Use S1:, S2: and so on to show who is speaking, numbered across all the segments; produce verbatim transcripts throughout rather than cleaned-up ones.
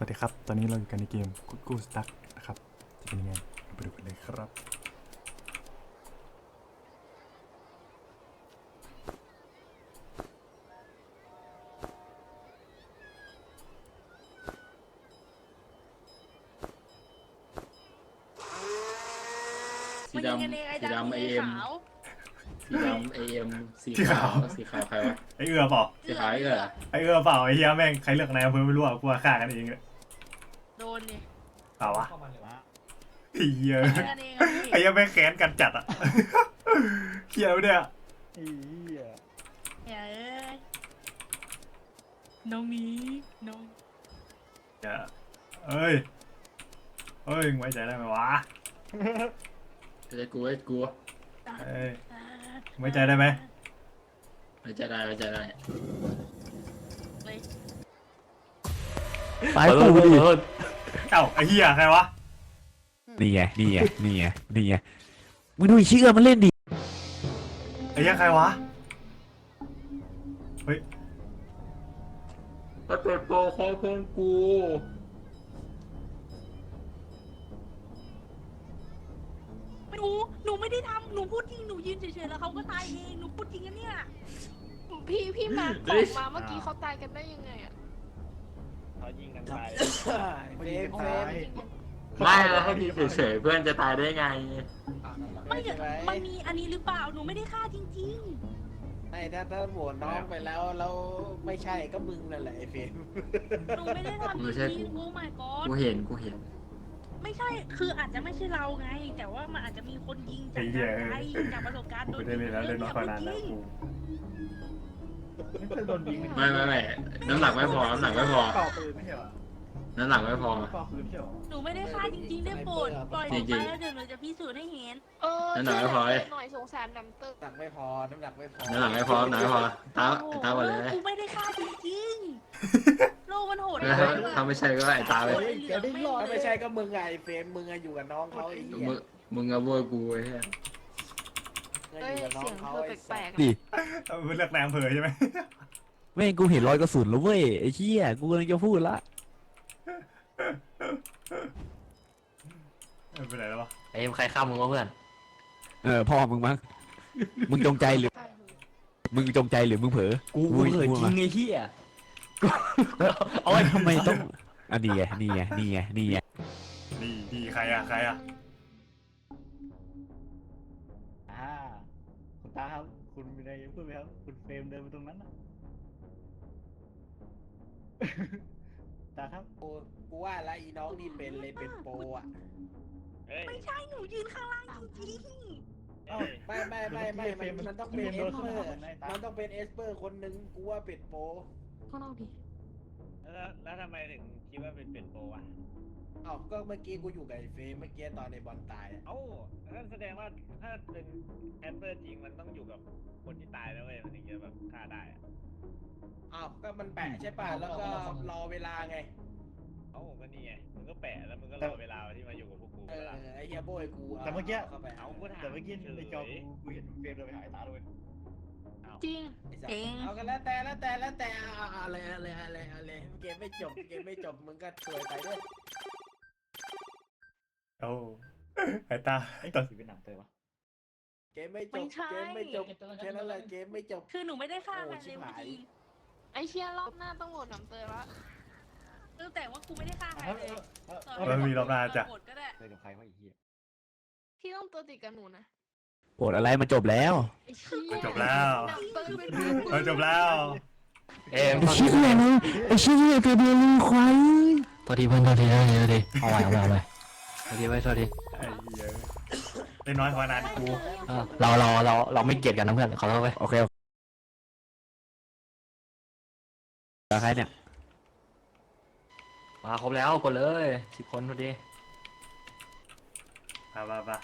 S1: วัสดีครับตอนนี้เราอยู่กันในเกมกูกูสตั๊กนะครับจะเป็นยังไงไปดูกันเลยครับ
S2: สีดำสีดำไอเอ็มสีดำไอเอ็มสีขาวสีขาวใครวะ
S1: ไอเอือเปล่า
S2: สีขาวไอเออ
S1: ไอเอือเปล่าไอเฮียแม่งใครเลือกนายอำเภอไม่รู้อ่ะกูว่าฆ่ากันเองเลย
S3: โดนดิ
S1: เปล่าวะไอ้เฮีย
S3: กันเองอะพี่
S1: ไอ้เฮียแม่งแค้นกันจัดอ่ะเฮียวะเนี่ย
S4: ไอ้เหี้ย
S3: เฮ้ยน้องนี้น้อง
S1: อย่าเอ้ยเอ้ยมึงไว้ใจได้ไหมวะ
S2: ไอ้กูไอ้กู
S1: เอ้ยมึงไว้ใจได้ไหม
S2: ไม่จะได้ไม่จะได้
S3: เลย
S4: ตายกูดิ
S1: เอ้าไอ้เฮียใครวะ
S4: นี่ไงนี่ไงนี่ไงนี่ไงมึงดูไอ้เชื่อมันเล่นดิ
S1: ไอ้เฮียใครวะเฮ้ย
S2: ถ้าเกิดโปรคอเพื่อนกู
S3: ไม่รู้หนูไม่ได้ทำหนูพูดจริงหนูยืนเฉยๆแล้วเขาก็ตายเองหนูพูดจริงกันเนี่ย
S5: พี่พี่มาบอกมาเมื่อกี้เขาตายกันได้ยังไงอ่ะ
S6: เขายิงกันตาย
S4: เฟรมเฟรม
S2: ไม่แล้วให้ดีเฉยๆเพื่อนจะตายได้ไง
S3: ไม่เดี๋ยวมันมีอันนี้หรือเปล่าหนูไม่ได้ฆ่าจริง
S6: ไม่ถ้าถ้าโหวตน้องไปแล้วแล้วไม่ใช่ก็มึงนั่นแหละไอ้เฟรม
S3: ๆหนูไม่ได้ทำจริงๆโอ้ my god
S2: กูเห็นกูเห็น
S3: ไม่ใช่คืออาจจะไม่ใช่เราไง แต่ว่ามันอาจจะมีคนยิงจากไกลจากประสบการณ์
S1: กู
S3: โดน
S1: ไม่ได้เล่นแล้วเล่นมาขนาดแล้วกู
S2: ไม่ไม่ไม่น้ำหนักไม่พอน้ำหนักไม่พอ
S6: ต่อปืนไม่ใช่เหรอ
S2: น้ำหนักไม่พอ
S6: ต่อปืนไม่ใช่เหรอ
S3: หนูไม่ได้ฆ่าจริงๆได้โปรดปล่อยหนูไปแล้วเดี๋ยวหนูจะพิสูจน์ให้เห็น
S5: เออ
S2: นั่นหน่อยไม่พอเลย
S5: หน่อยสงสารน้ำเตอร์
S6: น้ำหนักไม่พอน้ำหนักไม่พอ
S2: น้ำหนักไม่พอน้ำหนักไม่พอตาตาหมดเลย
S3: กูไม่ได้ฆ่าจริงๆ โลกมันโหด
S2: ถ้าถ้าไม่ใช่ก็ไอ้ตาเลย
S6: ถ้าไม่ใช่ก็มึงไงไอ้เฟรมมึงอะอยู่กับน้องเขาไอ้เหี้ย
S2: มึงมึงกับโวยกูไอ้เหี้ย
S6: มึง
S5: เอ้
S6: อย ยู่กับน้อ
S5: เสีย
S6: ง
S5: ง
S6: เขา
S5: เธอ
S6: ไอ้
S5: แปล
S6: สั
S5: ก
S6: ส
S5: ๆ
S4: ดิ
S1: มึงเลือกนายอำเภอใช่ไหม
S4: แม่งกูเห็นรอยกระสุนแล้วเว้ยไอ้เชี่ยกูกำลังจะพูดละ
S1: ไม่เป็นไรแล้ววะ
S2: ไอ้ใครฆ่ามึงวะเพื่อน
S4: เออพ่อมึงมั้งมึงจงใจหรือมึงจงใจหรือมึงเผลอ
S7: กูกูเผลอจริงไอ้เหี้ย
S4: โอ้ยทำไมต้องอันนี้ไงนี่ไงนี่ไงนี่ไง
S1: นี่นี่ใครอะใครอะ
S6: อ่าคุณตาครับคุณมีอะไรจะพูดไหมครับคุณเฟรมเดินไปตรงนั้นนะตาครับกูกูว่าแล้วอีน้องนี่เป็นเลยเป็นโปรอ่ะ
S3: ไม่ใช่หนูยืนข้างล่างจริง
S6: ไม่ไม่ไม่ไม่มันมันต้องเป็นเอสเปอร์มันต้องเป็นเอสเปอร์คนหนึ่งกูว่าเป็นโปร
S5: ข้างนอกดิ
S8: แล้วแล้วทำไมถึงคิดว่าเป็นเป็นโปรอ่ะ
S6: อ้าวก็เมื่อกี้กูอยู่กับไอ้เฟรมเมื่อกี้ตอนในบอลตายอะ
S8: เอ้านั่นแสดงว่าถ้าเป็นแอปเปิลจริงมันต้องอยู่กับคนที่ตายแล้วเว้ยมันถึงจะแบบฆ่าได้อะ
S6: อ้าวก็มันแปะใช่ป่ะแล้วก็รอเวลาไง
S8: เอ้าก็นี่ไงมึงก็แปะแล้วมึงก็รอเวลาที่มาอยู่กับพวกกู
S6: เอ
S8: เว
S6: อ
S8: ลา
S6: ไอ้เฮียโบยกู
S9: แต่เมื่อกี้
S6: เข้าไป
S8: เอากูถาม
S9: แต่เมื่อกี้ในจอกูกูเห็นเฟรมเดินไปหาไอ้ตาด้วย
S5: จริง
S6: ไอ้สัสเอากันแล้วแต่แล้วแต่แล้วแต่เอาเอาอะไรอะไรอะไรอะไรเกมไม่จบเกมไม่จบมึงก็สวยไปด้วย
S1: โอ้ไอ้ตา
S9: ไอ้
S1: ต
S9: ตั
S1: อ
S9: วน สีเป็นหนังเตยปะ
S6: เกมไม่จบเกมไม่จบแค่นั้นแหละเกมไม่จบ
S3: ๆ คือหนูไม่ได้ฆ่าใครเลยเมื่อกี้
S5: ไอเชียรอบหน้าต้องโหวตน้ำเตอร์ละ
S3: คือแต่ว่ากูไม่ได้ฆ่าใครเลย
S1: มันมีรอบหน้าจ้ะ
S3: โหวตก็ได้
S9: เตยกับใครวะไอ้เหี้ย
S5: พี่ต้องตัวติดกับหนูนะ
S4: โกรธอะไรมันจบแล้ว
S5: ไอเชีย
S1: จบแล้ว
S5: น้ำเตอร์เป็น
S1: เออจบแล้ว
S7: เอ็ม
S4: ไอ้เชี่ยเลยไอ้เชี่ยตัวเดียวเลยควาย
S7: โทษทีเพื่อนโทษทีโทษทีโทษทีเอาไว้เอาไว้เอาไว้โทษทีไว้โทษที
S1: ไอ้เหี้ยเล่นน้อยกว่านานกู
S7: เออเราเราเราเราไม่เกลียดกันนะเพื่อนขอโทษไว้
S4: โอเคโอเคแล้วใครเนี่ย
S7: มาครบแล้วกดเลยสิบคนพอดี
S1: ไปไปไป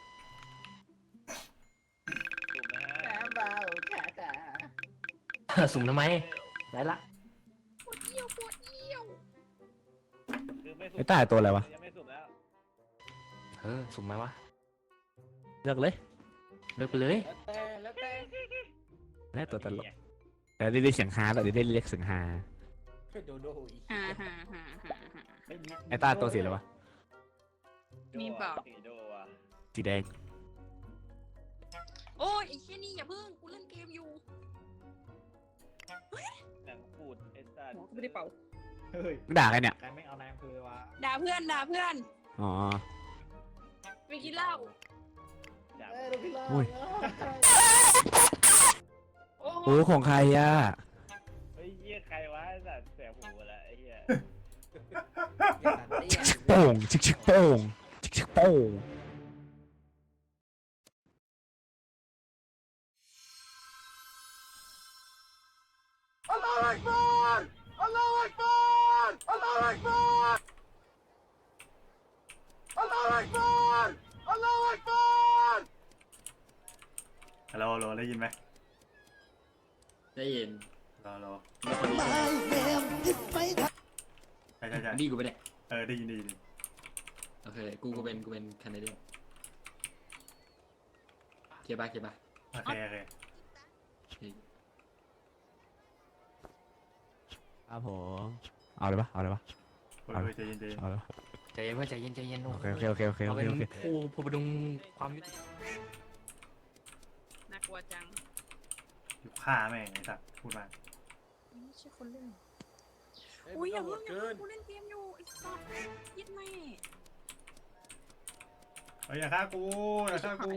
S8: ถูกนะฮะ
S6: น้ำเบาขาตา
S7: สุ่มทำไมได้ละ
S5: ปวดเยี่ยวปวดเยี่ยว
S8: คือไม่สุ
S4: ไอ้ตาตัวอะไรวะ
S8: ยังไม่สุดแล้ว
S7: เออสุ่มไหมวะ
S4: เลือกเลย
S7: เลิกไปเลย
S6: แล้วแต่แล้วแต่
S4: แล้วตัวตลกแต่ได้เรียกเสียงฮาแล้วเดี๋ยวได้เรียกเสียงฮา
S6: โดโดอีก
S3: ฮ่าฮ่าฮ่าฮ่าฮ่า
S4: ไอ้ตาตัวสีอะไรวะ
S3: มีเปล่า
S8: สีโดอ่ะ
S4: สีแดง
S3: โอ้ยไอ้เชี่ยนี่อย่าเพิ่งกูเล่นเกมอยู่
S8: หนังปูดไอ้สัตว์
S3: หัวกูไม่ได้เป่า
S9: เฮ้ย
S4: มึงด่าใครเนี่ย
S9: ใครไม่เอานายอำเภอวะ
S3: ด่าเพื่อนด่าเพื่อน
S4: อ๋อ
S3: ไปกินเหล้า
S8: จับ
S9: เอ้ยลูกพี่ล่า
S4: อุ้ย
S3: โอ้โห
S4: โอ้ของใครอ่ะ
S8: เฮ้ยเหี้ยใครวะไอ้สัตว์เสียหูละไอ้เหี้ย
S4: โป่งชิกชิกโป่งชิกชิกโป่ง
S1: ฮัลโหลฮัลโหลได้ยินไหม
S2: ได้ยิน
S1: ฮัลโหล
S2: มีคนนี้ใช่ไหม
S1: ใช่ใช่ใช่
S2: ดีกูไปเนี่ย
S1: เออได้ยินได้ยิน
S2: โอเคกูกูเป็นกูเป็นแคนาเดียนเคลียร์ป่ะเคลียร์ป่ะ
S1: โอเคโอเค
S4: ครับผมเอาเลยปะเอาเลยปะ
S1: โอ้ยใจเย็นใจเย็น
S4: เอาเลยปะ
S7: ใจเย็นเพื่อนใจเย็นใจเย็น
S4: โอเคโอเคโอเคโอเคโอ
S7: เรา
S4: เค
S7: เป็น
S4: โอเค
S7: ผู้ผู้ประดุงความยุติธรรม
S3: น่ากลัวจัง
S1: อยู่ฆ่าแม่งไอ้สัตว์พูดมา
S3: ไม่ใช่คนเล่นอุ้ยอย่าเพิ่งอย่าเพิ่งกูเล่นเกมอยู่ไอ้สัสยิดแม่
S1: เฮ้ยอย่าฆ่ากูอย่าฆ่ากู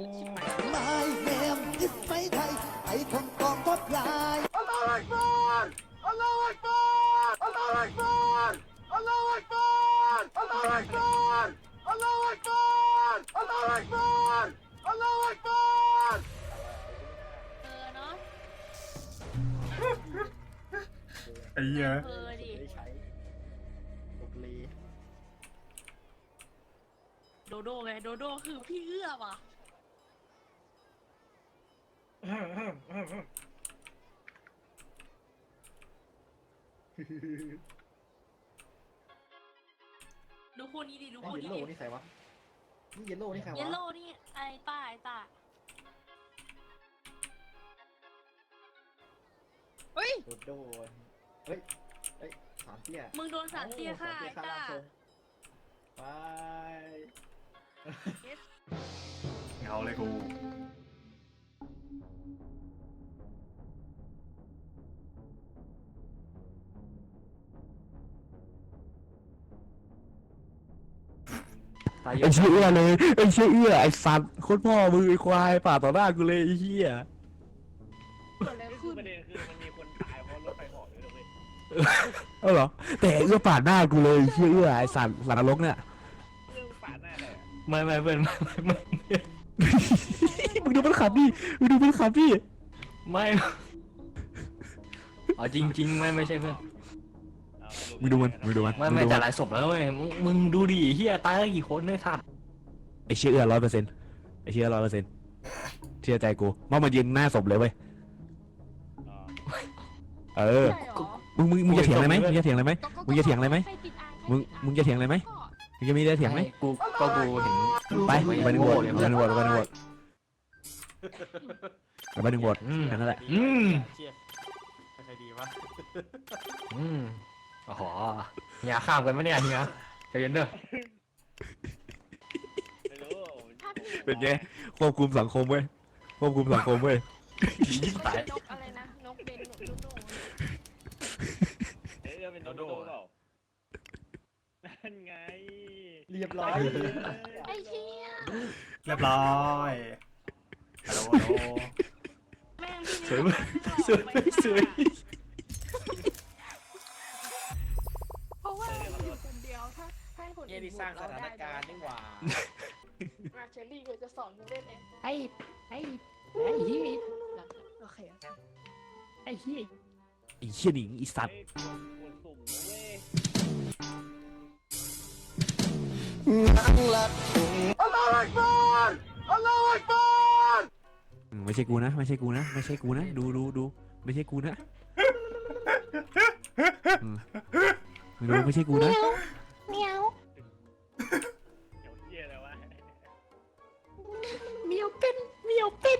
S3: เออเนาะ
S1: ไอ้เหี้ย
S3: เออดิ
S9: ได้ใช้ตกลี
S3: โดโดไงโดโดคือพี่เอื้อว่ะดูคู่นี้ดิดู
S9: ไอ้
S3: คู่
S9: เยล
S3: นี้
S9: โล่
S3: ดิ
S9: นี่ใครวะนี่เยลโล่นี่ใครวะ
S3: เยลโล่นี่ไอ้ต้าไอ้ต้าเฮ้ย
S9: โดโดเฮ้ยเฮ้ยสามเตี้ย
S3: มึงโดนสารเตี้ยฆ่าไอ้ต้า
S9: ไป
S1: เงาเลยกู
S7: ตายเย
S4: ไอ้
S7: อะ
S4: เชี่ยเอื้อเลยไอ้เชี่ยเอื้อไอ้สัตว์โคตรพ่อมือไอ้ควายป่าต่อหน้ากูเลยไอ้เหี้ย
S5: เกิดอะไร
S8: คือ
S5: ขึ้น
S8: ประเด็นคือมันมีคนตายเพราะรถไฟเหาะด้วยนะเว้ย
S4: เออเหรอแต่เอื้อป่าดหน้ากูเลยไอ้เชี่ยเอื้อไอ้สัตว์สัตว์นรกเนี่ย
S8: เรื่องปาดหน้าเลยอะ
S7: ไม่ไม่เพื่อนไม่ไม่ไม่
S4: มึงดูมันขับดิมึงดูมันขับดิ
S7: ไม่เอาจริงจริงไม่ไม่ใช่เพื่อน
S8: เอาสรุป
S4: มึงดูมันมึงดูมัน
S7: ไม่ไม่แต่หลายศพแล้วเว้ยมึงมึงดูดิเฮียตายแล้วกี่คนเนี่ยสัตว์
S4: ไอ้เชี่ยเอื้อร้อยเปอร์เซ็นต์ไอ้เชี่ยร้อยเปอร์เซ็นต์เชื่อใจกูว่ามันยืนหน้าศพเลยเว้ย
S8: อ๋อ
S4: เออ
S5: ใช่เหรอ
S4: มึงมึงมึงจะเถียงอะไรไหมมึงจะเถียงอะไรไหม
S5: ก็ก็
S4: มึงจะเถียงอะไรไหม
S5: ใคติดอ่าง
S4: มึง
S5: ใครติดอ่าง
S4: มึงจะเถียงอะไรไหม
S5: ก็
S4: มึงจะมีอะไรเถียงไหม
S7: กูก็กูเห็น
S4: ไปไปหนึ่งโหวตไปหนึ่งโหวตไปหนึ่งโหวตไปหนึ่งโหวต
S7: อืม
S4: แค่นั้นแหละ
S7: อืม
S9: เชี่ยใครดีวะ
S7: อืมโอ้โหอย่าข้ามกันไหมเนี่ยเฮียใจเย็นเด้อ
S8: ไม่รู้ผม
S5: ถ้าพี่
S4: เป็นไงควบคุมสังคมเว้ยควบคุมสังคมเว้ย
S7: ยิ่งตาย
S5: นกอะไรนะนกเบนหนูหนู
S8: เอ๊ะเรื่องเป็นโดโดเปล่านั่นไง
S9: เรียบร้อย
S5: ไอ้เหี้ย
S1: เรียบร้อยฮัลโหลฮัลโหล
S3: แม่งพี่
S7: สวย
S3: นี่
S7: มากสวยมากสวย
S5: เพราะว่าเราอยู่คนเดียวถ้าให้คน
S6: เยี่
S5: อื่
S6: ย
S5: น
S6: นี่สร้างสถานการณ์นี่หว่า
S5: มาเชอรี่ก็จะสอนมึงเล่นเอง
S7: ไอ้ไอ้ไอ้เฮีย
S5: โอเคโอเค
S7: ไอ้เฮีย
S4: ไอ้เชี่ยหนิงไอีสัตว์
S8: เฮ้ยควรสุ่มนะเว้ย
S4: อืมไม่ใช่กูนะไม่ใช่กูนะไม่ใช่กูนะดูดูดูไม่ใช่กูนะอืมมึงดูไม่ใช่กูนะ
S5: เมียว
S8: เดี๋ยวเหี้ยอะไรวะ
S5: เมียวเป็นเมียวเป็น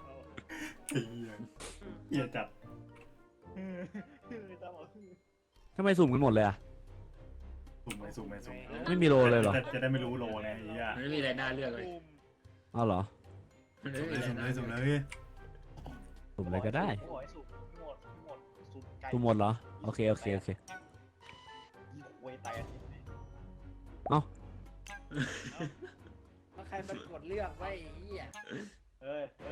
S1: ไอ้เหี้ยเหี้ยจัด
S9: ตามบอก
S4: ทำไมสุ่มกันหมดเลยอะ
S1: สุ่มไปสุ่มไปสุ่ม
S4: ไม่มีโลเลยเหรอ
S1: จะจะได้ไม่รู้โลไงไอ้เหี้ย
S2: มันไม่มีอะไรน่าเลือกเลย
S4: อ้าวเหรอ
S2: มันไม่
S1: สุ่ม
S2: มี
S1: เล
S2: อะ
S1: ย
S2: ไร
S1: สุ่ม
S2: น่า
S1: เลย
S2: เลือก
S1: สุ่มเลย
S4: สุ่มอะไรก็ได้
S9: โอ้ยสุกหมดหมดสุกไก่
S4: สุ่มหมดเหรอ โอเคโอเคโอเค
S9: ยี่หวยแตก
S4: เอ้า
S6: แล้วใครมันกดเลือกไว้ไอ้เหี้ย
S9: เอ้ยเอ้ย